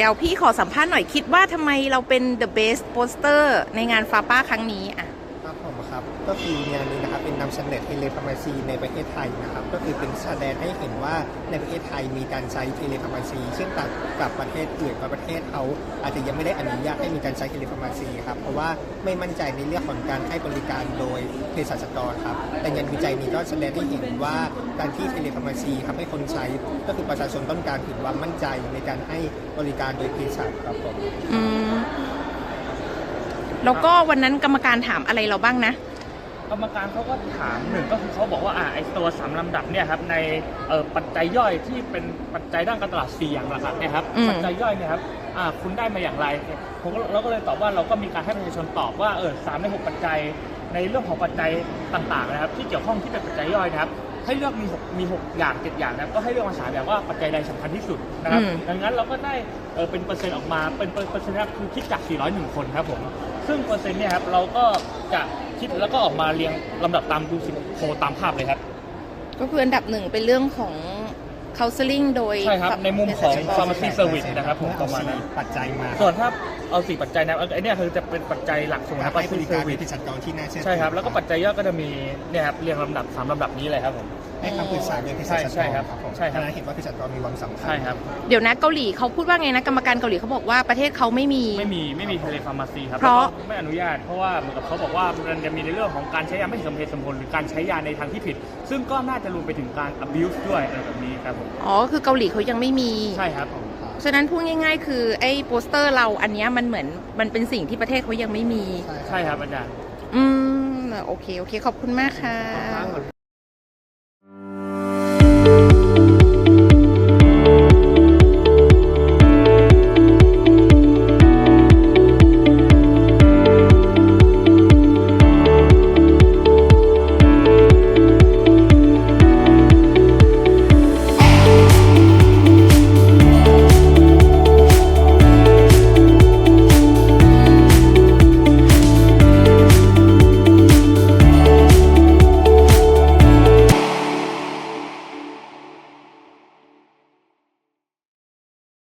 แล้วพี่ขอสัมภาษณ์หน่อยคิดว่าทำไมเราเป็น the best poster ในงานฟาป้าครั้งนี้อ่ะครับผมครับก็คืองานนี้นะครับเป็นนำเสนอเทเลฟาร์มาซีในประเทศไทยนะครับก็คือเป็นแสดงให้เห็นว่าในประเทศไทยมีการใช้เทเลฟาร์มาซีซึ่งต่างกับประเทศอื่นประเทศเขาอาจจะยังไม่ได้อนุญาตให้มีการใช้เทเลฟาร์มาซีครับเพราะว่าไม่มั่นใจในเรื่องของการให้บริการโดยเภสัชกรครับแต่งานวิจัยนี้ก็แสดงให้เห็นว่าการที่เทเลฟาร์มาซีทำให้คนใช้ก็คือประชาชนต้องการถึงความมั่นใจในการให้บริการโดยเภสัชครับผมแล้วก็วันนั้นกรรมการถามอะไรเราบ้างนะกรรมการเขาก็ถามหนึ่งก็คือเขาบอกว่าไอตัว3ลำดับเนี่ยครับในปัจจัยย่อยที่เป็นปัจจัยด้านการตลาด4อย่างหลักๆเนี่ยครับปัจจัยย่อยเนี่ยครับคุณได้มาอย่างไรเราก็เลยตอบว่าเราก็มีการให้ประชาชนตอบว่า3ใน6ปัจจัยในเรื่องของปัจจัยต่างๆนะครับที่เกี่ยวข้องที่เป็นปัจจัยย่อยนะครับให้เลือกมี6อย่าง7อย่างนะครับก็ให้เลือกมา3อย่างว่าปัจจัยใดสำคัญที่สุดนะครับดังนั้นเราก็ได้เป็นเปอร์เซ็นต์ออกมาเป็นเปอร์เซ็นต์คือคิดจาก401คนครับผมซึ่งเปอร์เซ็นต์เนี่ยครับเราก็จะคิดแล้วก็ออกมาเรียงลำดับตามดูสิโพตามภาพเลยครับก็คืออันดับหนึ่งเป็นเรื่องของ counseling โดยใช่ครับในมุมของ pharmacy service นะครับผมประมาณนั้นปัจจัยมาส่วนถ้าเอา4ปัจจัยนะไอ้นี่คือจะเป็นปัจจัยหลักส่วนนะให้บริการเภสัชกรที่น่าเชื่อถือใช่ครับแล้วก็ปัจจัยย่อยก็จะมีเนี่ยครับเรียงลำดับ3ลำดับนี้เลยครับผมให้คำปรึกษาโดยเภสัชกรใช่ครับใช่ครับเห็นว่าเภสัชกรมีความสำคัญใช่ครับเดี๋ยวนะเกาหลีเขาพูดว่าไงนะกรรมการเกาหลีเขาบอกว่าประเทศเขาไม่มีเทเลฟาร์มาซีครับเพราะไม่อนุญาตเพราะว่าเหมือนกับเขาบอกว่ามันจะมีในเรื่องของการใช้ยาไม่สมเหตุสมผลหรือการใช้ยาในทางที่ผิดซึ่งก็น่าจะรวมไปถึงการ abuse ด้วยอะไรแบบนี้ครับผมอ๋อคือเกาหลีเขายังไม่มีใช่ครับฉะนั้นพูดง่ายๆคือไอ้โปสเตอร์เราอันนี้มันเหมือนมันเป็นสิ่งที่ประเทศเขายังไม่มีใช่ครับอาจารย์โอเคขอบคุณมากค่ะ